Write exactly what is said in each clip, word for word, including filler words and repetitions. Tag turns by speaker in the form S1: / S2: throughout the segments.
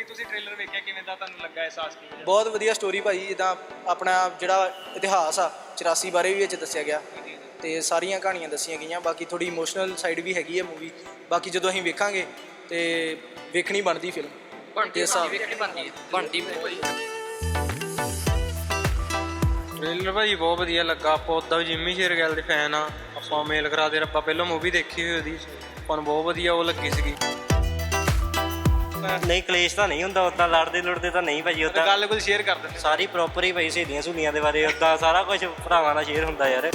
S1: ਤੁਸੀਂ ਟ੍ਰੇਲਰ ਵੇਖਿਆ ਕਿਵੇਂ ਦਾ ਤੁਹਾਨੂੰ ਲੱਗਾ ਅਹਿਸਾਸ ਕਿਵੇਂ?
S2: ਬਹੁਤ ਵਧੀਆ ਸਟੋਰੀ ਭਾਈ। ਜਿੱਦਾਂ ਆਪਣਾ ਜਿਹੜਾ ਇਤਿਹਾਸ ਆ ਚੁਰਾਸੀ ਬਾਰੇ ਵੀ ਵਿੱਚ ਦੱਸਿਆ ਗਿਆ ਤੇ ਸਾਰੀਆਂ ਕਹਾਣੀਆਂ ਦੱਸੀਆਂ ਗਈਆਂ। ਬਾਕੀ ਥੋੜੀ ਇਮੋਸ਼ਨਲ ਸਾਈਡ ਵੀ ਹੈਗੀ ਹੈ ਮੂਵੀ। ਬਾਕੀ ਜਦੋਂ ਅਸੀਂ ਵੇਖਾਂਗੇ ਤੇ ਵੇਖਣੀ ਬਣਦੀ ਫਿਲਮ
S3: ਬਣਦੀ ਵੇਖਣੀ ਬਣਦੀ ਬਣਦੀ
S4: ਟ੍ਰੇਲਰ ਭਾਜੀ ਬਹੁਤ ਵਧੀਆ ਲੱਗਾ। ਆਪਾਂ ਉੱਦਾਂ ਵੀ ਜਿੰਮੀ ਸ਼ੇਰਗਿੱਲ ਦੇ ਫੈਨ ਆ। ਆਪਾਂ ਮੇਲ ਕਰਾ ਦੇ ਆਪਾਂ ਪਹਿਲਾਂ ਮੂਵੀ ਦੇਖੀ ਹੋਈ ਉਹਦੀ, ਆਪਾਂ ਨੂੰ ਬਹੁਤ ਵਧੀਆ ਉਹ ਲੱਗੀ ਸੀਗੀ।
S5: ਨਹੀਂ ਕਲੇਸ਼ ਤਾਂ ਨਹੀਂ ਹੁੰਦਾ, ਉੱਦਾਂ ਲੜਦੇ ਲੁੜਦੇ ਤਾਂ ਨਹੀਂ ਭਾਜੀ। ਉੱਦਾਂ
S1: ਗੱਲ ਕੋਈ ਸ਼ੇਅਰ ਕਰ ਦਿੰਦੇ
S5: ਸਾਰੀ ਪ੍ਰੋਪਰ ਹੀ ਭਾਈ ਸਹੇਲੀਆਂ ਸਹੂਲੀਆਂ ਦੇ ਬਾਰੇ ਉੱਦਾਂ ਸਾਰਾ ਕੁਝ ਭਰਾਵਾਂ ਨਾਲ ਸ਼ੇਅਰ ਹੁੰਦਾ ਯਾਰ।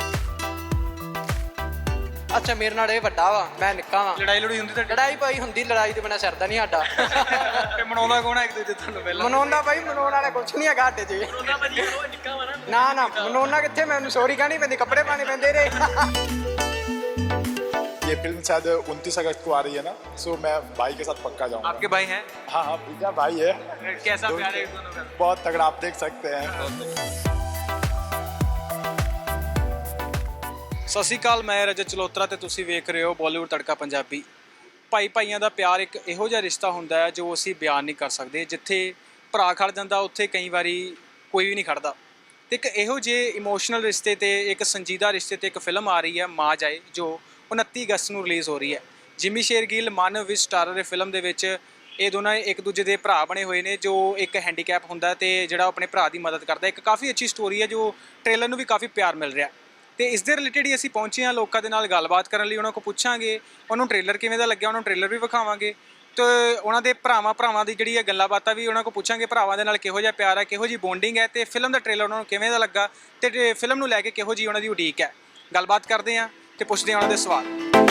S2: ਅੱਛਾ ਮੇਰੇ ਨਾਲ ਇਹ ਵੱਡਾ ਵਾ, ਮੈਂ ਨਿੱਕਾ ਵਾ।
S1: ਲੜਾਈ ਲੜੂਈ ਹੁੰਦੀ ਤਾਂ
S2: ਲੜਾਈ ਭਾਈ ਹੁੰਦੀ, ਲੜਾਈ ਤੇ ਬਿਨਾਂ ਸਰਦਾ ਨਹੀਂ ਸਾਡਾ।
S1: ਤੇ ਮਨਾਉਂਦਾ ਕੌਣ ਹੈ ਇੱਕ ਦੂਜੇ ਤੁਹਾਨੂੰ ਪਹਿਲਾਂ?
S2: ਮਨਾਉਂਦਾ ਭਾਈ, ਮਨਾਉਣ ਵਾਲਾ ਕੁਛ ਨਹੀਂ ਹੈਗਾ ਸਾਡੇ 'ਚ। ਨਾ ਨਾ ਮਨਾਉਣਾ ਕਿੱਥੇ, ਮੈਨੂੰ ਸੌਰੀ ਕਹਿਣੀ ਪੈਂਦੀ, ਕੱਪੜੇ ਪਾਣੇ ਪੈਂਦੇ ਰੇ।
S6: ये फिल्म शायद उनतीस अगस्त को आ रही है ना, सो मैं भाई के साथ पक्का जाऊंगा।
S1: आपके भाई हैं?
S6: हाँ हाँ भैया भाई है।
S1: कैसा प्यार है दोनों का?
S6: बहुत तगड़ा, आप देख सकते हैं।
S1: ਸਤਿ ਸ਼੍ਰੀ ਅਕਾਲ, ਮੈਂ ਰਜਤ ਚਲੋਤਰਾ ਤੇ ਤੁਸੀਂ ਵੇਖ ਰਹੇ ਹੋ ਬਾਲੀਵੁੱਡ ਤੜਕਾ ਪੰਜਾਬੀ। ਭਾਈ ਭਾਈਆਂ ਦਾ ਪਿਆਰ ਇੱਕ ਇਹੋ ਜਿਹਾ ਰਿਸ਼ਤਾ ਹੁੰਦਾ ਹੈ ਜੋ ਅਸੀਂ ਬਿਆਨ ਨਹੀਂ ਕਰ ਸਕਦੇ। ਜਿੱਥੇ ਭਰਾ ਖੜ ਜਾਂਦਾ ਉੱਥੇ ਕਈ ਵਾਰੀ ਕੋਈ ਵੀ ਨਹੀਂ ਖੜਦਾ। ਤੇ ਇੱਕ ਇਹੋ ਜਿਹੇ ਇਮੋਸ਼ਨਲ ਰਿਸ਼ਤੇ ਤੇ ਇੱਕ ਸੰਜੀਦਾ ਰਿਸ਼ਤੇ ਤੇ ਇੱਕ ਫਿਲਮ ਆ ਰਹੀ ਹੈ ਮਾਂ ਜਾਏ, ਜੋ ਉਨੱਤੀ ਅਗਸਤ ਨੂੰ ਰਿਲੀਜ਼ ਹੋ ਰਹੀ ਹੈ। ਜਿਮੀ ਸ਼ੇਰਗਿੱਲ ਮਾਨਵ ਵਿੱਚ ਸਟਾਰਰ ਦੇ ਫਿਲਮ ਦੇ ਵਿੱਚ ਇਹ ਦੋਨਾਂ ਇੱਕ ਦੂਜੇ ਦੇ ਭਰਾ ਬਣੇ ਹੋਏ ਨੇ, ਜੋ ਇੱਕ ਹੈਂਡੀਕੈਪ ਹੁੰਦਾ ਤੇ ਜਿਹੜਾ ਆਪਣੇ ਭਰਾ ਦੀ ਮਦਦ ਕਰਦਾ। ਇੱਕ ਕਾਫੀ ਅੱਛੀ ਸਟੋਰੀ ਹੈ ਜੋ ਟ੍ਰੇਲਰ ਨੂੰ ਵੀ ਕਾਫੀ ਪਿਆਰ ਮਿਲ ਰਿਹਾ। ਤੇ ਇਸ ਦੇ ਰਿਲੇਟਡ ਹੀ ਅਸੀਂ ਪਹੁੰਚੇ ਹਾਂ ਲੋਕਾਂ ਦੇ ਨਾਲ ਗੱਲਬਾਤ ਕਰਨ ਲਈ। ਉਹਨਾਂ ਕੋਲ ਪੁੱਛਾਂਗੇ ਉਹਨੂੰ ਟ੍ਰੇਲਰ ਕਿਵੇਂ ਦਾ ਲੱਗਿਆ, ਉਹਨਾਂ ਨੂੰ ਟ੍ਰੇਲਰ ਵੀ ਵਿਖਾਵਾਂਗੇ ਤੇ ਉਹਨਾਂ ਦੇ ਭਰਾਵਾਂ ਭਰਾਵਾਂ ਦੀ ਜਿਹੜੀ ਹੈ ਗੱਲਾਂ ਬਾਤਾਂ ਵੀ ਉਹਨਾਂ ਕੋਲ ਪੁੱਛਾਂਗੇ। ਭਰਾਵਾਂ ਦੇ ਨਾਲ ਕਿਹੋ ਜਿਹਾ ਪਿਆਰ ਹੈ, ਕਿਹੋ ਜਿਹੀ ਬੌਂਡਿੰਗ ਹੈ ਤੇ ਫਿਲਮ ਦਾ ਟ੍ਰੇਲਰ ਉਹਨਾਂ ਨੂੰ ਕਿਵੇਂ ਦਾ ਲੱਗਾ ਤੇ ਫਿਲਮ ਨੂੰ ਲੈ ਕੇ ਕਿਹੋ ਜਿਹੀ ਉਹਨਾਂ ਦੀ ਉਡੀਕ ਹੈ। ਗੱਲਬਾਤ ਕਰਦੇ ਹਾਂ ਤੇ ਪੁੱਛਦੇ ਹਾਂ ਉਹਨਾਂ ਦੇ ਸਵਾਲ।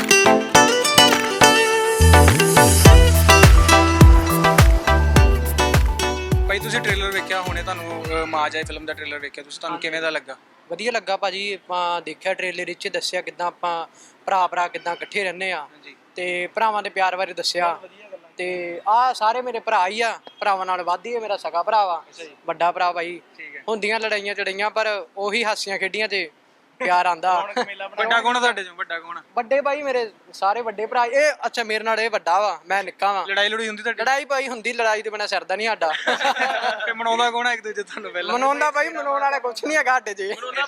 S1: ਭਾਈ ਤੁਸੀਂ ਟ੍ਰੇਲਰ ਵੇਖਿਆ ਹੋਣੇ, ਤੁਹਾਨੂੰ ਮਾਂ ਜਾਏ ਫਿਲਮ ਦਾ ਟ੍ਰੇਲਰ ਵੇਖਿਆ ਤੁਸੀਂ, ਤੁਹਾਨੂੰ ਕਿਵੇਂ ਦਾ ਲੱਗਾ?
S2: ਵਧੀਆ ਲੱਗਾ ਭਾਜੀ। ਆਪਾਂ ਦੇਖਿਆ ਟ੍ਰੇਲਰ ਵਿੱਚ ਦੱਸਿਆ ਕਿੱਦਾਂ ਆਪਾਂ ਭਰਾ ਭਰਾ ਕਿੱਦਾਂ ਇਕੱਠੇ ਰਹਿੰਦੇ ਆ ਤੇ ਭਰਾਵਾਂ ਦੇ ਪਿਆਰ ਬਾਰੇ ਦੱਸਿਆ। ਤੇ ਆਹ ਸਾਰੇ ਮੇਰੇ ਭਰਾ ਹੀ ਆ, ਭਰਾਵਾਂ ਨਾਲ ਵੱਧ ਹੀ ਮੇਰਾ ਸਗਾ ਭਰਾ ਵਾ, ਵੱਡਾ ਭਰਾ ਭਾਈ। ਹੁੰਦੀਆਂ ਲੜਾਈਆਂ ਚੜਾਈਆਂ ਪਰ ਉਹੀ ਹਾਸੀਆਂ ਖੇਡੀਆਂ ਤੇ ਪਿਆਰ ਆਂਦਾ।
S1: ਵੱਡਾ ਕੌਣ ਤੁਹਾਡੇ ਚੋਂ? ਵੱਡਾ ਕੌਣ?
S2: ਵੱਡੇ ਭਾਈ ਮੇਰੇ ਸਾਰੇ ਵੱਡੇ ਭਰਾ। ਇਹ ਅੱਛਾ ਮੇਰੇ ਨਾਲ ਇਹ ਵੱਡਾ ਵਾ, ਮੈਂ ਨਿੱਕਾ ਵਾ।
S1: ਲੜਾਈ ਲੜੂਈ ਹੁੰਦੀ ਤਾਂ?
S2: ਲੜਾਈ ਭਾਈ ਹੁੰਦੀ, ਲੜਾਈ ਤੇ ਬਿਨਾਂ ਸਰਦਾ ਨਹੀਂ ਸਾਡਾ।
S1: ਤੇ ਮਨਾਉਂਦਾ ਕੌਣ ਹੈ ਇੱਕ ਦੂਜੇ ਤੁਹਾਨੂੰ ਪਹਿਲਾਂ?
S2: ਮਨਾਉਂਦਾ ਭਾਈ, ਮਨਾਉਣ ਵਾਲਾ ਕੁਛ ਨਹੀਂ ਹੈਗਾ ਸਾਡੇ 'ਚ।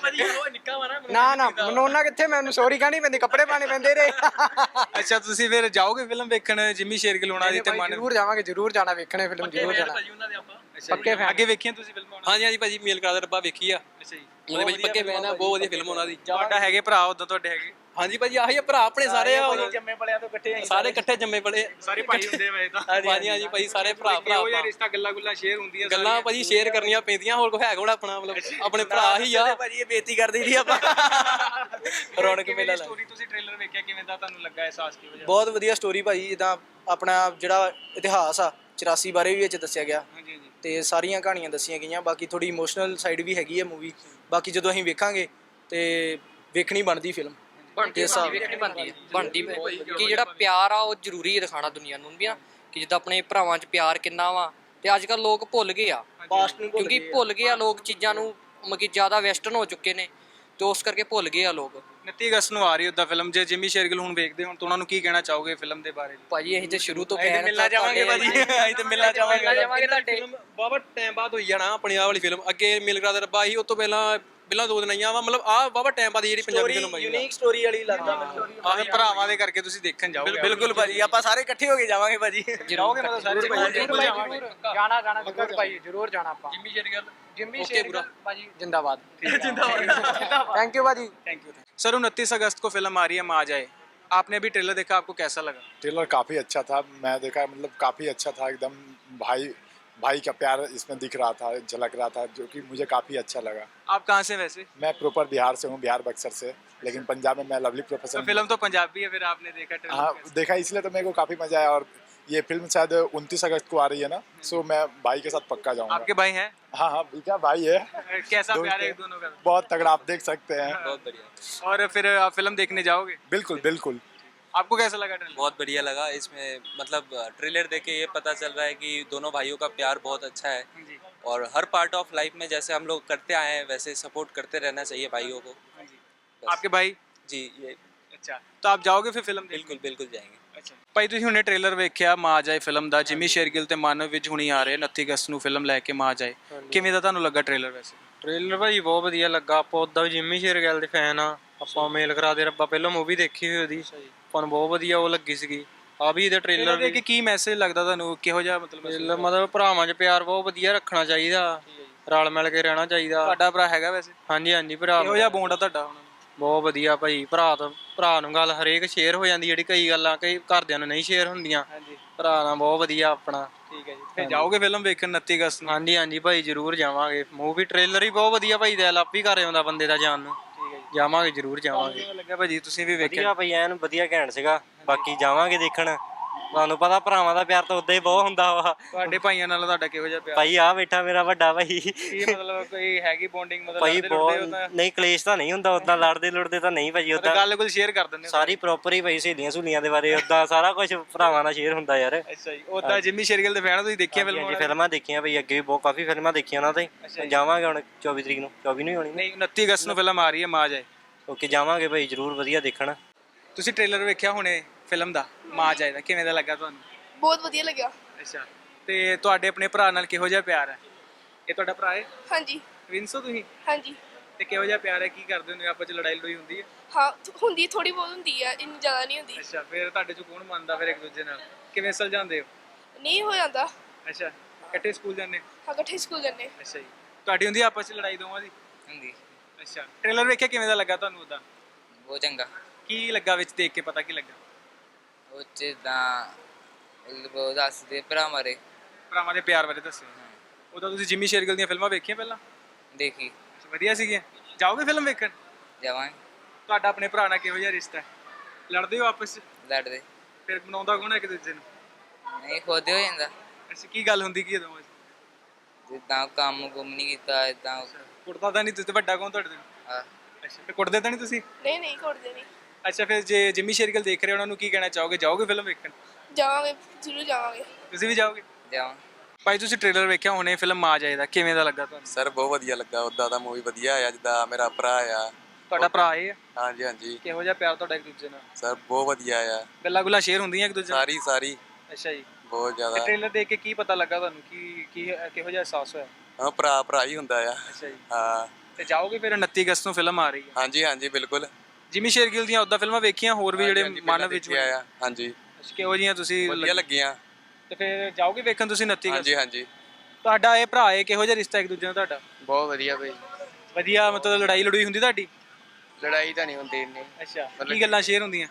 S2: ਨਾ ਨਾ ਮਨਾਉਣਾ ਕਿੱਥੇ, ਮੈਨੂੰ ਸੌਰੀ ਕਹਿਣੀ ਪੈਂਦੀ, ਕੱਪੜੇ ਪਾਣੇ ਪੈਂਦੇ ਰੇ।
S1: ਅੱਛਾ ਤੁਸੀਂ ਫਿਰ ਜਾਓਗੇ ਫਿਲਮ ਵੇਖਣ ਜਿਮੀ ਸ਼ੇਰਗਿੱਲ ਹੋਣਾ ਦੀ ਤੇ ਮਨ?
S2: ਜ਼ਰੂਰ ਜਾਵਾਂਗੇ, ਜ਼ਰੂਰ ਜਾਣਾ ਵੇਖਣੇ ਫਿਲਮ, ਜ਼ਰੂਰ ਜਾਣਾ।
S1: ਪੱਕੇ ਫੈਨ। ਅੱਗੇ ਵੇਖੀਆਂ ਤੁਸੀਂ ਫਿਲਮਾਂ?
S4: ਹਾਂਜੀ ਹਾਂਜੀ ਭਾਜੀ, ਮੇਲ ਕਰਾ ਦੇ ਰੱਬਾ ਵੇਖੀ ਆ।
S1: ਅੱਛਾ ਜੀ,
S4: ਉਹਦੇ ਵਿੱਚ ਪੱਕੇ ਫੈਨ ਆ, ਬਹੁਤ ਵਧੀਆ ਫਿਲਮ ਉਹਨਾਂ ਦੀ।
S1: ਤੁਹਾਡਾ ਹੈਗੇ ਭਰਾ ਉਦੋਂ ਤੁਹਾਡੇ ਹੈਗੇ?
S4: ਹਾਂਜੀ ਭਾਜੀ ਆਹੀ ਆ ਭਰਾ ਆਪਣੇ ਸਾਰੇ ਆ,
S1: ਜੰਮੇ ਪਲਿਆਂ ਤੋਂ ਇਕੱਠੇ
S4: ਸਾਰੇ ਇਕੱਠੇ ਜੰਮੇ ਪਲੇ
S1: ਸਾਰੇ ਭਾਈ ਹੁੰਦੇ ਵੇ ਤਾਂ।
S4: ਹਾਂਜੀ ਹਾਂਜੀ ਭਾਜੀ ਸਾਰੇ ਭਰਾ ਭਰਾ
S1: ਉਹ ਯਾਰ ਰਿਸ਼ਤਾ ਗੱਲਾਂ ਗੁੱਲਾਂ ਸ਼ੇਅਰ ਹੁੰਦੀਆਂ
S4: ਗੱਲਾਂ ਭਾਜੀ ਸ਼ੇਅਰ ਕਰਨੀਆਂ ਪੈਂਦੀਆਂ, ਹੋਰ ਕੋਈ ਹੈ ਕੋਣ ਆਪਣਾ, ਮਤਲਬ ਆਪਣੇ ਭਰਾ ਹੀ ਆ
S2: ਭਾਜੀ ਇਹ ਬੇਇੱਜ਼ਤੀ ਕਰਦੀ ਸੀ ਆਪਾਂ।
S4: ਰੌਣਕ ਮੇਲਾ
S1: ਸਟੋਰੀ ਤੁਸੀਂ ਟ੍ਰੇਲਰ ਵੇਖਿਆ ਕਿਵੇਂ ਦਾ ਤੁਹਾਨੂੰ ਲੱਗਾ ਅਹਿਸਾਸ ਕਿਵੇਂ?
S2: ਬਹੁਤ ਵਧੀਆ ਸਟੋਰੀ ਭਾਜੀ। ਜਿੱਦਾਂ ਆਪਣਾ ਜਿਹੜਾ ਇਤਿਹਾਸ ਆ ਚੁਰਾਸੀ ਬਾਰੇ ਵੀ ਵਿੱਚ ਦੱਸਿਆ ਗਿਆ
S1: ਹਾਂਜੀ ਹਾਂਜੀ
S2: ਤੇ ਸਾਰੀਆਂ ਕਹਾਣੀਆਂ ਦੱਸੀਆਂ ਗਈਆਂ। ਬਾਕੀ ਥੋੜੀ ਇਮੋਸ਼ਨਲ ਸਾਈਡ ਵੀ ਹੈਗੀ ਹੈ ਮੂਵੀ। ਬਾਕੀ ਜਦੋਂ ਅਸੀਂ ਵੇਖਾਂਗੇ ਤੇ ਵੇਖਣੀ ਬਣਦੀ ਫਿਲਮ
S3: ਬਣਦੀ ਵੇਖਣੀ ਬਣਦੀ ਬਣਦੀ ਕਿ ਜਿਹੜਾ ਪਿਆਰ ਆ ਉਹ ਜ਼ਰੂਰੀ ਹੈ ਦਿਖਾਉਣਾ ਦੁਨੀਆ ਨੂੰ ਵੀ ਨਾ, ਕਿ ਜਿੱਦਾਂ ਆਪਣੇ ਭਰਾਵਾਂ 'ਚ ਪਿਆਰ ਕਿੰਨਾ ਵਾ। ਤੇ ਅੱਜ ਕੱਲ੍ਹ ਲੋਕ ਭੁੱਲ ਗਏ ਆ, ਕਿਉਂਕਿ ਭੁੱਲ ਗਏ ਆ ਲੋਕ ਚੀਜ਼ਾਂ ਨੂੰ, ਮਤਲਬ ਕਿ ਜ਼ਿਆਦਾ ਵੈਸਟਰਨ ਹੋ ਚੁੱਕੇ ਨੇ ਤੇ ਉਸ ਕਰਕੇ ਭੁੱਲ ਗਏ ਆ ਲੋਕ।
S1: ਉਨੱਤੀ ਅਗਸਤ ਨੂੰ ਆ ਰਹੀ ਉਹਦਾ ਫਿਲਮ। ਜੇ ਜਿਮੀ ਸ਼ੇਰਗਿੱਲ ਹੁਣ ਵੇਖਦੇ ਹੁਣ ਤਾਂ ਉਹਨਾਂ ਨੂੰ ਕੀ ਕਹਿਣਾ ਚਾਹੋਗੇ ਫਿਲਮ ਦੇ ਬਾਰੇ?
S3: ਭਾਜੀ ਅਸੀਂ ਤੇ ਸ਼ੁਰੂ ਤੋਂ
S1: ਅਸੀਂ ਤੇ
S3: ਫੈਨ
S1: ਮਿਲਣਾ ਚਾਹਾਂਗੇ ਭਾਜੀ, ਅਸੀਂ ਤੇ ਮਿਲਣਾ ਚਾਹਾਂਗੇ
S3: ਜਾਵਾਂਗੇ ਤੁਹਾਡੇ।
S4: ਬਾਬਾ ਟਾਈਮ ਬਾਅਦ ਹੋਈ ਜਾਣਾ ਆਪਣੀ ਆਹ ਵਾਲੀ ਫਿਲਮ। ਅੱਗੇ ਮੇਲ ਕਰਾ ਦੇ ਰੱਬਾ ਸੀ, ਉਸ ਤੋਂ ਪਹਿਲਾਂ ਪਹਿਲਾਂ ਦੋ ਦਿਨ ਆਈਆਂ ਵਾ, ਮਤਲਬ ਆਹ ਬਾਬਾ ਟਾਈਮ ਬਾਅਦ ਜਿਹੜੀ ਪੰਜਾਬੀ ਫਿਲਮ ਆਈ
S2: ਯੂਨੀਕ ਸਟੋਰੀ ਵਾਲੀ ਲੱਗਦਾ ਮੈਨੂੰ।
S1: ਆਹ ਭਰਾਵਾਂ ਦੇ ਕਰਕੇ ਤੁਸੀਂ ਦੇਖਣ ਜਾਓਗੇ?
S2: ਬਿਲਕੁਲ ਭਾਜੀ, ਆਪਾਂ ਸਾਰੇ ਇਕੱਠੇ ਹੋ ਕੇ ਜਾਵਾਂਗੇ ਭਾਜੀ।
S1: ਜਾਓਗੇ ਮਤਲਬ ਸਾਰੇ ਭਾਈ?
S2: ਜਾਣਾ ਜਾਣਾ ਜ਼ਰੂਰ ਭਾਈ, ਜ਼ਰੂਰ ਜਾਣਾ ਆਪਾਂ।
S4: ਜਿਮੀ ਸ਼ੇਰਗਿੱਲ
S2: ਜਿਮੀ ਸ਼ੇਰਗਿੱਲ ਭਾਜੀ जिंदाबाद। थैंक यू भाजी,
S1: थैंक यू। सर उनतीस अगस्त को फिल्म आ रही है माँ जाए, आपने भी ट्रेलर देखा, आपको कैसा लगा?
S6: ट्रेलर काफ़ी अच्छा था, मैं देखा मतलब काफ़ी अच्छा था एकदम। भाई भाई का प्यार इसमें दिख रहा था, झलक रहा था, जो कि मुझे काफ़ी अच्छा लगा।
S1: आप कहाँ से वैसे?
S6: मैं प्रॉपर बिहार से हूँ, बिहार बक्सर से, लेकिन पंजाब में मैं लवली
S1: तो
S6: प्रोफेसर।
S1: फिल्म तो पंजाबी है, फिर आपने देखा ट्रेलर?
S6: हाँ देखा, इसलिए तो मेरे को काफ़ी मज़ा आया। और ये फिल्म शायद उनतीस अगस्त को आ रही है ना, सो मैं भाई के साथ पक्का जाऊँगा।
S1: आपके भाई हैं?
S6: हाँ हाँ भैया भाई है।
S1: कैसा प्यार है दोनों का?
S6: बहुत तगड़ा, आप देख सकते हैं।
S4: बहुत बढ़िया।
S1: और फिर आप फिल्म देखने जाओगे?
S6: बिल्कुल बिल्कुल।
S1: आपको कैसा लगा ट्रेलर?
S7: बहुत बढ़िया लगा। इसमें मतलब ट्रेलर देख के ये पता चल रहा है कि दोनों भाइयों का प्यार बहुत अच्छा है
S1: जी।
S7: और हर पार्ट ऑफ लाइफ में जैसे हम लोग करते आए हैं वैसे सपोर्ट करते रहना चाहिए भाइयों को।
S1: आपके भाई?
S7: जी ये
S1: अच्छा, तो आप जाओगे फिर फिल्म?
S7: बिल्कुल बिल्कुल जाएंगे।
S1: अच्छा। ਭਾਈ ਤੁਸੀਂ ਹੁਣੇ ਟ੍ਰੇਲਰ ਵੇਖਿਆ ਮਾਂ ਜਾਏ ਫਿਲਮ ਦਾ, ਜਿਮੀ ਸ਼ੇਰਗਿੱਲ ਤੇ ਮਾਨਵ ਵਿੱਚ ਹੁਣੀ ਆ ਰਹੇ ਉਨੱਤੀ ਅਗਸਤ ਨੂੰ ਫਿਲਮ ਲੈ ਕੇ ਮਾਂ ਜਾਏ, ਕਿਵੇਂ ਦਾ ਤੁਹਾਨੂੰ ਲੱਗਾ ਟ੍ਰੇਲਰ ਵੈਸੇ?
S4: ਟ੍ਰੇਲਰ ਭਾਜੀ ਬਹੁਤ ਵਧੀਆ ਲੱਗਾ। ਆਪਾਂ ਉਦਾਂ ਵੀ ਜਿੰਮੀ ਸ਼ੇਰਗਿੱਲ ਦੇ ਫੈਨ ਆ। ਆਪਾਂ ਮੇਲ ਕਰਾ ਦੇ ਰੱਬਾ ਪਹਿਲਾਂ ਮੂਵੀ ਦੇਖੀ ਹੋਈ ਉਹਦੀ, ਆਪਾਂ ਨੂੰ ਬਹੁਤ ਵਧੀਆ ਉਹ ਲੱਗੀ ਸੀਗੀ। ਆ ਵੀ ਇਹਦਾ ਟ੍ਰੇਲਰ
S1: ਦੇਖ ਕੇ ਕੀ ਮੈਸੇਜ ਲੱਗਦਾ ਤੁਹਾਨੂੰ, ਕਿਹੋ ਜਿਹਾ ਮਤਲਬ
S4: ਟ੍ਰੇਲਰ ਮਤਲਬ ਭਰਾਵਾਂ 'ਚ ਪਿਆਰ ਬਹੁਤ ਵਧੀਆ ਰੱਖਣਾ ਚਾਹੀਦਾ, ਰਲ ਮਿਲ ਕੇ ਰਹਿਣਾ ਚਾਹੀਦਾ।
S1: ਤੁਹਾਡਾ ਭਰਾ ਹੈਗਾ ਵੈਸੇ?
S4: ਹਾਂਜੀ ਹਾਂਜੀ ਭਰਾ
S1: ਕਿਹੋ ਜਿਹਾ ਬੌਂਡ ਆ ਤੁਹਾਡਾ ਉਹਨਾਂ ਨਾਲ?
S4: ਬਹੁਤ ਵਧੀਆ ਭਾਈ। ਭਰਾ ਤੋਂ ਭਰਾ ਨੂੰ ਗੱਲ ਹਰੇਕ ਸ਼ੇਅਰ ਹੋ ਜਾਂਦੀ, ਜਿਹੜੀ ਕਈ ਗੱਲਾਂ ਕਈ ਘਰਦਿਆਂ ਨੂੰ ਨਹੀਂ ਸ਼ੇਅਰ ਹੁੰਦੀਆਂ,
S1: ਹਾਂਜੀ
S4: ਭਰਾ ਨਾਲ ਬਹੁਤ ਵਧੀਆ ਆਪਣਾ।
S1: ਠੀਕ ਹੈ ਜੀ। ਫਿਰ ਜਾਓਗੇ ਫਿਲਮ ਵੇਖਣ ਉਨੱਤੀ ਅਗਸਤ ਨੂੰ?
S4: ਹਾਂਜੀ ਹਾਂਜੀ ਭਾਈ ਜ਼ਰੂਰ ਜਾਵਾਂਗੇ। ਮੂਵੀ ਟ੍ਰੇਲਰ ਹੀ ਬਹੁਤ ਵਧੀਆ ਭਾਈ, ਦਿਲ ਆਪ ਹੀ ਕਰ ਆਉਂਦਾ ਬੰਦੇ ਦਾ ਜਾਣ ਨੂੰ।
S1: ਠੀਕ ਹੈ ਜੀ।
S4: ਜਾਵਾਂਗੇ ਜ਼ਰੂਰ ਜਾਵਾਂਗੇ।
S1: ਕਿਵੇਂ ਲੱਗਾ ਭਾਜੀ, ਤੁਸੀਂ ਵੀ ਵੇਖਿਆ?
S5: ਵਧੀਆ ਭਾਈ, ਐਨ ਵਧੀਆ ਘੈਂਟ ਸੀਗਾ। ਬਾਕੀ ਜਾਵਾਂਗੇ ਦੇਖਣ। ਤੁਹਾਨੂੰ ਪਤਾ ਭਰਾਵਾਂ ਦਾ ਪਿਆਰ ਤਾਂ ਉਦਾਂ ਹੀ ਬਹੁਤ ਹੁੰਦਾ ਵਾ।
S1: ਤੁਹਾਡੇ ਭਾਈਆਂ ਨਾਲ ਤੁਹਾਡਾ ਕਿਹੋ ਜਿਹਾ ਪਿਆਰ?
S5: ਭਾਈ ਆ ਬੈਠਾ ਮੇਰਾ ਵੱਡਾ ਭਾਈ।
S1: ਕੀ ਮਤਲਬ ਕੋਈ ਹੈਗੀ ਬੌਂਡਿੰਗ ਮਤਲਬ?
S5: ਭਾਈ
S1: ਲੜਦੇ ਲੁੜਦੇ ਹੋ ਤਾਂ-
S5: ਬਹੁਤ ਨਹੀਂ, ਕਲੇਸ਼ ਤਾਂ ਨਹੀਂ ਹੁੰਦਾ ਉਦਾਂ, ਲੜਦੇ ਲੁੜਦੇ ਤਾਂ ਨਹੀਂ ਭਾਜੀ।
S1: ਮਤਲਬ
S5: ਉਦਾਂ
S1: ਗੱਲ ਗੁੱਲ ਸ਼ੇਅਰ ਕਰ ਦਿੰਦੇ ਹੋ?
S5: ਸਾਰੀ ਪ੍ਰੋਪਰ ਹੀ ਭਾਈ, ਸਹੇਲੀਆਂ ਸਹੂਲੀਆਂ ਦੇ ਬਾਰੇ ਉਦਾਂ ਸਾਰਾ ਕੁਝ ਭਰਾਵਾਂ ਨਾਲ ਸ਼ੇਅਰ ਹੁੰਦਾ ਯਾਰ।
S1: ਅੱਛਾ ਜੀ। ਉਦਾਂ ਜਿਮੀ ਸ਼ੇਰਗਿੱਲ ਦੇ ਫੈਨ ਤੁਸੀਂ ਦੇਖੀਆਂ ਫਿਲਮਾਂ?
S5: ਹਾਂਜੀ ਫਿਲਮਾਂ ਦੇਖੀਆਂ ਭਾਈ, ਅੱਗੇ ਵੀ ਬਹੁਤ ਕਾਫੀ ਫਿਲਮਾਂ ਦੇਖੀਆਂ ਉਹਨਾਂ ਤੇ। ਜਾਵਾਂਗੇ ਹੁਣ ਚੌਵੀ ਤਰੀਕ ਨੂੰ, ਚੌਵੀ ਨੂੰ ਹੀ ਹੋਣੀ।
S1: ਨਹੀਂ ਉਨੱਤੀ ਅਗਸਤ ਨੂੰ ਫਿਲਮ ਆ ਰਹੀ ਹੈ ਮਾਂ ਜਾਏ।
S5: ਓਕੇ ਜਾਵਾਂਗੇ ਭਾਈ ਜ਼ਰੂਰ, ਵਧੀਆ ਦੇਖਣ।
S1: ਤੁਸੀਂ ਟ੍ਰੇਲਰ ਵੇਖਿਆ ਹੁਣੇ ਫਿਲਮ ਦਾ ਮਾਂ ਜਾਏ ਦਾ, ਕਿਵੇਂ ਦਾ ਲੱਗਾ ਤੁਹਾਨੂੰ?
S8: ਬਹੁਤ ਵਧੀਆ ਲੱਗਿਆ।
S1: ਅੱਛਾ। ਤੇ ਤੁਹਾਡੇ ਆਪਣੇ ਭਰਾ ਨਾਲ ਕਿਹੋ ਜਿਹਾ ਪਿਆਰ ਹੈ? ਇਹ ਤੁਹਾਡਾ ਭਰਾ ਹੈ?
S8: ਹਾਂਜੀ
S1: ਵਿੰਸੋ ਤੁਸੀਂ?
S8: ਹਾਂਜੀ
S1: ਤੇ ਕਿਹੋ ਜਿਹਾ ਪਿਆਰ ਹੈ, ਕੀ ਕਰਦੇ ਹੁੰਦੇ ਆਪਸ ਚ? ਲੜਾਈ ਲੜੋਈ ਹੁੰਦੀ ਹੈ?
S8: ਹਾਂ ਹੁੰਦੀ, ਥੋੜੀ ਬਹੁਤ ਹੁੰਦੀ ਆ, ਇੰਨੀ ਜ਼ਿਆਦਾ ਨਹੀਂ ਹੁੰਦੀ।
S1: ਅੱਛਾ। ਫਿਰ ਤੁਹਾਡੇ ਚ ਕੌਣ ਮੰਨਦਾ ਫਿਰ ਇੱਕ ਦੂਜੇ ਨਾਲ? ਕਿਵੇਂ ਸੁਲਝਾਉਂਦੇ ਹੋ?
S8: ਨਹੀਂ ਹੋ ਜਾਂਦਾ।
S1: ਅੱਛਾ। ਇਕੱਠੇ ਸਕੂਲ ਜਾਂਦੇ?
S8: ਹਾਂ ਇਕੱਠੇ ਸਕੂਲ ਜਾਂਦੇ।
S1: ਅੱਛਾ ਜੀ। ਤੁਹਾਡੀ ਹੁੰਦੀ ਆਪਸ ਚ ਲੜਾਈ ਦੋਵਾਂ ਦੀ?
S3: ਹੁੰਦੀ
S1: ਅੱਛਾ। ਟ੍ਰੇਲਰ ਵੇਖਿਆ, ਕਿਵੇਂ ਦਾ ਲੱਗਾ ਤੁਹਾਨੂੰ ਉਹਦਾ?
S3: ਬਹੁਤ ਚੰਗਾ।
S1: ਕੀ ਲੱਗਾ ਵਿੱਚ ਦੇਖ ਕੇ, ਪਤਾ ਕੀ ਲੱਗਾ?
S3: ਉਹ ਚ ਤਾਂ ਉਹ ਦੱਸਦੇ ਭਰਾ ਮਾਰੇ
S1: ਭਰਾਵਾਂ ਦੇ ਪਿਆਰ ਬਾਰੇ ਦੱਸਿਓ। ਉਹਦਾ ਤੁਸੀਂ ਜਿਮੀ ਸ਼ੇਰਗਿੱਲ ਦੀਆਂ ਫਿਲਮਾਂ ਵੇਖੀਆਂ ਪਹਿਲਾਂ?
S3: ਦੇਖੀ।
S1: ਅੱਛਾ, ਵਧੀਆ ਸੀਗੀਆਂ। ਜਾਓਗੇ ਫਿਲਮ ਵੇਖਣ?
S3: ਜਾਵਾਂਗੇ।
S1: ਤੁਹਾਡਾ ਆਪਣੇ ਭਰਾ ਨਾਲ ਕਿਹੋ ਜਿਹਾ ਰਿਸ਼ਤਾ ਹੈ? ਲੜਦੇ ਹੋ ਆਪਸ ਚ?
S3: ਲੜਦੇ
S1: ਫਿਰ ਮਨਾਉਂਦਾ ਕੌਣ ਹੈ ਇੱਕ ਦੂਜੇ ਨੂੰ?
S3: ਨਹੀਂ, ਖੁਦ ਹੋ ਜਾਂਦਾ।
S1: ਅੱਛਾ। ਕੀ ਗੱਲ ਹੁੰਦੀ ਕੀ ਹੈ ਦੋਵਾਂ ਚ?
S3: ਜਿੱਦਾਂ ਕੰਮ ਕੁਮ ਨਹੀਂ ਕੀਤਾ ਇਦਾਂ।
S1: ਕੁੱਟਦਾ ਤਾਂ ਨਹੀਂ ਤੁਸੀਂ? ਵੱਡਾ ਕੌਣ ਤੁਹਾਡੇ ਤੋਂ?
S3: ਹਾਂ
S1: ਅੱਛਾ। ਫਿਰ ਕੁੱਟਦੇ ਤਾਂ ਨਹੀਂ ਤੁਸੀਂ?
S8: ਨਹੀਂ ਨਹੀਂ ਕੁੱਟਦੇ ਨਹੀਂ।
S1: ਅੱਛਾ। ਫਿਰ ਜੇ ਜਿਮੀ ਸ਼ੇਰਗਿੱਲ ਦੇਖ ਰਹੇ ਹੋ, ਉਹਨਾਂ ਨੂੰ ਕੀ ਕਹਿਣਾ ਚਾਹੋਗੇ? ਜਾਓਗੇ ਫਿਲਮ ਵੇਖਣ?
S8: ਜਾਵਾਂਗੇ ਜ਼ਰੂਰ ਜਾਵਾਂਗੇ।
S1: ਤੁਸੀਂ ਵੀ ਜਾਓਗੇ?
S3: ਜਾਵਾਂ।
S1: ਭਾਈ ਤੁਸੀਂ ਟ੍ਰੇਲਰ ਵੇਖਿਆ ਹੁਣੇ ਫਿਲਮ ਮਾਂ ਜਾਏ ਦਾ, ਕਿਵੇਂ ਦਾ ਲੱਗਾ ਤੁਹਾਨੂੰ?
S7: ਸਰ ਬਹੁਤ ਵਧੀਆ ਲੱਗਾ। ਉੱਦਾਂ ਦਾ ਮੂਵੀ ਵਧੀਆ ਆ, ਜਿੱਦਾਂ ਮੇਰਾ ਭਰਾ ਆ।
S1: ਤੁਹਾਡਾ ਭਰਾ ਇਹ ਆ?
S7: ਹਾਂਜੀ ਹਾਂਜੀ
S1: ਕਿਹੋ ਜਿਹਾ ਪਿਆਰ ਤੁਹਾਡਾ ਇੱਕ ਦੂਜੇ ਨਾਲ?
S7: ਸਰ ਬਹੁਤ ਵਧੀਆ ਆ।
S1: ਗੱਲਾਂ ਗੁੱਲਾਂ ਸ਼ੇਅਰ ਹੁੰਦੀਆਂ ਇੱਕ ਦੂਜੇ ਨਾਲ?
S7: ਸਾਰੀ ਸਾਰੀ
S1: ਅੱਛਾ ਜੀ।
S7: ਬਹੁਤ ਜ਼ਿਆਦਾ।
S1: ਟ੍ਰੇਲਰ ਦੇਖ ਕੇ ਕੀ ਪਤਾ ਲੱਗਾ ਤੁਹਾਨੂੰ, ਕੀ ਕੀ ਕਿਹੋ ਜਿਹਾ ਅਹਿਸਾਸ ਹੋਇਆ?
S7: ਹਾਂ ਭਰਾ ਭਰਾ ਹੀ ਹੁੰਦਾ ਆ।
S1: ਅੱਛਾ ਜੀ।
S7: ਹਾਂ
S1: ਤੇ ਜਾਓਗੇ ਫਿਰ ਉਨੱਤੀ ਅਗਸਤ ਨੂੰ ਫਿਲਮ ਆ ਰਹੀ ਹੈ?
S7: ਹਾਂਜੀ ਹਾਂਜੀ ਬਿਲਕੁਲ।
S1: ਜਿਮੀ ਸ਼ੇਰਗਿੱਲ ਦੀਆਂ ਉਦਾਂ ਫਿਲਮਾਂ ਵੇਖੀਆਂ ਹੋਰ ਵੀ ਜਿਹੜੇ
S7: ਹਾਂਜੀ,
S1: ਮਨ
S7: ਪਹਿਲਾਂ
S1: ਵਿੱਚ
S7: ਦੇਖਿਆ ਆ। ਹਾਂਜੀ
S1: ਅੱਛਾ, ਕਿਹੋ ਜਿਹੀਆਂ ਤੁਸੀਂ
S7: ਵਧੀਆ ਲੱਗੀਆਂ।
S1: ਤੇ ਫਿਰ ਜਾਓਗੇ ਵੇਖਣ ਤੁਸੀਂ ਉਨੱਤੀ ਅਗਸਤ?
S7: ਹਾਂਜੀ ਹਾਂਜੀ
S1: ਤੁਹਾਡਾ ਇਹ ਭਰਾ ਹੈ, ਕਿਹੋ ਜਿਹਾ ਰਿਸ਼ਤਾ ਇੱਕ ਦੂਜੇ ਨਾਲ ਤੁਹਾਡਾ?
S4: ਬਹੁਤ ਵਧੀਆ ਭਾਈ।
S1: ਵਧੀਆ। ਮਤਲਬ ਲੜਾਈ ਲੜੂਈ ਹੁੰਦੀ ਤੁਹਾਡੀ?
S4: ਲੜਾਈ ਤਾਂ ਨਹੀਂ ਹੁੰਦੀ ਇੰਨੀ,
S1: ਅੱਛਾ। ਕੀ ਗੱਲਾਂ ਸ਼ੇਅਰ ਹੁੰਦੀਆਂ?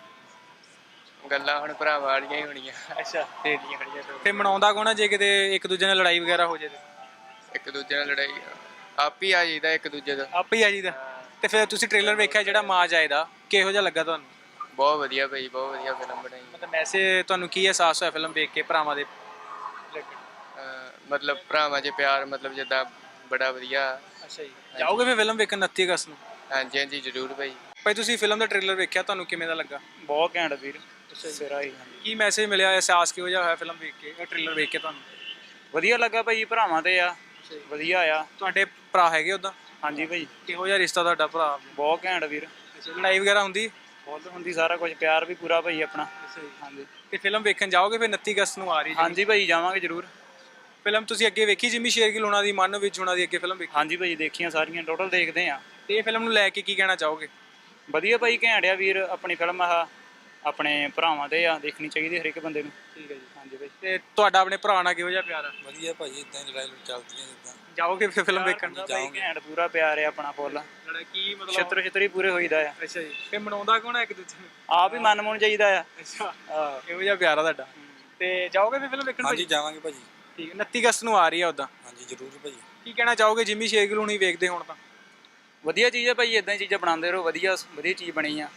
S4: ਗੱਲਾਂ ਹੁਣ ਭਰਾ ਵਾਲੀਆਂ ਹੀ ਹੋਣੀਆਂ,
S1: ਅੱਛਾ।
S4: ਸਹੇਲੀਆਂ ਹੋਣੀਆਂ।
S1: ਫਿਰ ਮਨਾਉਂਦਾ ਕੌਣ ਹੈ ਜੇ ਕਿਤੇ ਇੱਕ ਦੂਜੇ ਨਾਲ ਲੜਾਈ ਵਗੈਰਾ ਹੋ ਜੇ ਤੇ?
S4: ਇੱਕ ਦੂਜੇ ਨਾਲ ਲੜਾਈ ਆਪ ਹੀ ਆ ਜਾਈਦਾ ਇੱਕ ਦੂਜੇ ਦਾ।
S1: ਆਪੇ ਹੀ ਆ ਜੀ ਦਾ। ਤੇ ਫਿਰ ਤੁਸੀਂ ਟ੍ਰੇਲਰ ਵੇਖਿਆ ਜਿਹੜਾ ਮਾਂ ਜਾਏ ਦਾ, ਕਿਹੋ ਜਿਹਾ ਲੱਗਾ ਤੁਹਾਨੂੰ?
S4: ਬਹੁਤ ਵਧੀਆ ਭਾਈ, ਬਹੁਤ ਵਧੀਆ ਫਿਲਮ ਬਣਾਈ।
S1: ਮਤਲਬ ਮੈਸੇਜ ਤੁਹਾਨੂੰ ਕੀ ਅਹਿਸਾਸ ਹੋਇਆ ਫਿਲਮ ਵੇਖ ਕੇ ਭਰਾਵਾਂ ਦੇ ਰਿਲੇਟਡ?
S4: ਅਹ ਮਤਲਬ ਭਰਾਵਾਂ 'ਚ ਪਿਆਰ, ਮਤਲਬ ਜਿੱਦਾਂ ਬੜਾ ਵਧੀਆ।
S1: ਅੱਛਾ ਜੀ। ਜਾਓਗੇ ਫਿਰ ਫਿਲਮ ਵੇਖਣ ਉਨੱਤੀ ਅਗਸਤ ਨੂੰ?
S4: ਹਾਂਜੀ ਹਾਂਜੀ ਜ਼ਰੂਰ ਭਾਈ।
S1: ਭਾਈ ਤੁਸੀਂ ਫਿਲਮ ਦਾ ਟ੍ਰੇਲਰ ਵੇਖਿਆ, ਤੁਹਾਨੂੰ ਕਿਵੇਂ ਦਾ ਲੱਗਾ?
S9: ਬਹੁਤ ਘੈਂਟ ਵੀਰ, ਸਿਰਾ ਹੀ।
S1: ਕੀ ਮੈਸੇਜ ਮਿਲਿਆ, ਅਹਿਸਾਸ ਕਿਹੋ ਜਿਹਾ ਹੋਇਆ ਫਿਲਮ ਵੇਖ ਕੇ, ਇਹ ਟ੍ਰੇਲਰ ਵੇਖ ਕੇ ਤੁਹਾਨੂੰ?
S9: ਵਧੀਆ ਲੱਗਾ ਭਾਈ, ਭਰਾਵਾਂ ਤੇ ਆ, ਵਧੀਆ ਆ।
S1: ਤੁਹਾਡੇ ਭਰਾ ਹੈਗੇ ਉਦਾਂ?
S9: ਹਾਂਜੀ ਭਾਈ।
S1: ਕਿਹੋ ਜਿਹਾ ਰਿਸ਼ਤਾ ਤੁਹਾਡਾ ਭਰਾ?
S9: ਬਹੁਤ ਘੈਂਟ ਵੀਰ।
S1: ਲੜਾਈ ਵਗੈਰਾ ਹੁੰਦੀ?
S9: ਬਹੁਤ ਹੁੰਦੀ, ਸਾਰਾ ਕੁਝ, ਪਿਆਰ ਵੀ ਪੂਰਾ ਭਾਈ ਆਪਣਾ। ਹਾਂਜੀ।
S1: ਤੇ ਫਿਲਮ ਵੇਖਣ ਜਾਓਗੇ ਫਿਰ ਉਨੱਤੀ ਅਗਸਤ ਨੂੰ ਆ ਰਹੀ ਜੀ?
S9: ਹਾਂਜੀ ਭਾਈ ਜਾਵਾਂਗੇ ਜ਼ਰੂਰ।
S1: ਫਿਲਮ ਤੁਸੀਂ ਅੱਗੇ ਵੇਖੀ ਜਿਮੀ ਸ਼ੇਰਗਿੱਲ ਹੋਣਾ ਦੀ, ਮਨ ਵਿੱਚ ਹੋਣਾ ਦੀ ਅੱਗੇ ਫਿਲਮ ਵੇਖੀ?
S9: ਹਾਂਜੀ ਭਾਈ ਦੇਖੀਆਂ ਸਾਰੀਆਂ, ਟੋਟਲ ਦੇਖਦੇ ਆ।
S1: ਤੇ ਇਹ ਫਿਲਮ ਨੂੰ ਲੈ ਕੇ ਕੀ ਕਹਿਣਾ ਚਾਹੋਗੇ?
S9: ਵਧੀਆ ਭਾਈ, ਘੈਂਟ ਆ ਵੀਰ। ਆਪਣੀ ਫਿਲਮ ਆ, ਆਪਣੇ ਭਰਾਵਾਂ ਤੇ ਆ, ਦੇਖਣੀ ਚਾਹੀਦੀ ਹਰ ਇੱਕ ਬੰਦੇ ਨੂੰ।
S1: ਠੀਕ ਹੈ ਜੀ।
S9: ਹਾਂਜੀ ਭਾਈ।
S1: ਤੇ ਤੁਹਾਡਾ ਆਪਣੇ ਭਰਾ ਨਾਲ ਕਿਹੋ ਜਿਹਾ ਪਿਆਰ ਆ?
S10: ਵਧੀਆ ਭਾਜੀ, ਇਦਾਂ ਹੀ ਲੜਾਈ ਲੜ ਚੱਲਦੀਆਂ ਜਿੱਦਾਂ।
S1: ਜਾਓਗੇ ਫਿਰ ਫਿਲਮ ਵੇਖਣ?
S9: ਭਾਈ ਘੈਂਟ ਪੂਰਾ ਪਿਆਰ ਆ ਆਪਣਾ ਫੁੱਲ।
S1: ਲੜਾਈ ਕੀ ਮਤਲਬ?
S9: ਛਿੱਤਰ ਛਿੱਤਰੀ ਪੂਰੇ ਹੋਈਦਾ ਆ।
S1: ਅੱਛਾ ਜੀ। ਫਿਰ ਮਨਾਉਂਦਾ ਕੌਣ ਹੈ ਇੱਕ ਦੂਜੇ ਨੂੰ?
S9: ਆਪ ਹੀ ਮਨ ਮਨ ਚਾਹੀਦਾ ਆ।
S1: ਅੱਛਾ।
S9: ਹਾਂ।
S1: ਕਿਹੋ ਜਿਹਾ ਪਿਆਰ ਆ ਤੁਹਾਡਾ? ਤੇ ਜਾਓਗੇ ਫਿਰ ਫਿਲਮ ਵੇਖਣ?
S10: ਹਾਂਜੀ ਜਾਵਾਂਗੇ ਭਾਜੀ।
S1: ਠੀਕ ਹੈ। ਉਨੱਤੀ ਅਗਸਤ ਨੂੰ ਆ ਰਹੀ ਆ ਉਦਾਂ?
S10: ਹਾਂਜੀ ਜ਼ਰੂਰ ਭਾਜੀ।
S1: ਕੀ ਕਹਿਣਾ ਚਾਹੋਗੇ ਜਿਮੀ ਸ਼ੇਰਗਿੱਲ ਹੁਣੀ ਵੇਖਦੇ ਹੋਣ ਤਾਂ?
S9: ਵਧੀਆ ਚੀਜ਼ ਹੈ ਭਾਈ, ਇਦਾਂ ਹੀ ਚੀਜ਼ਾਂ ਬਣਾਉਂਦੇ ਰਹੋ। ਵਧੀਆ ਵਧੀਆ ਚੀਜ਼ ਬਣੀ ਆ।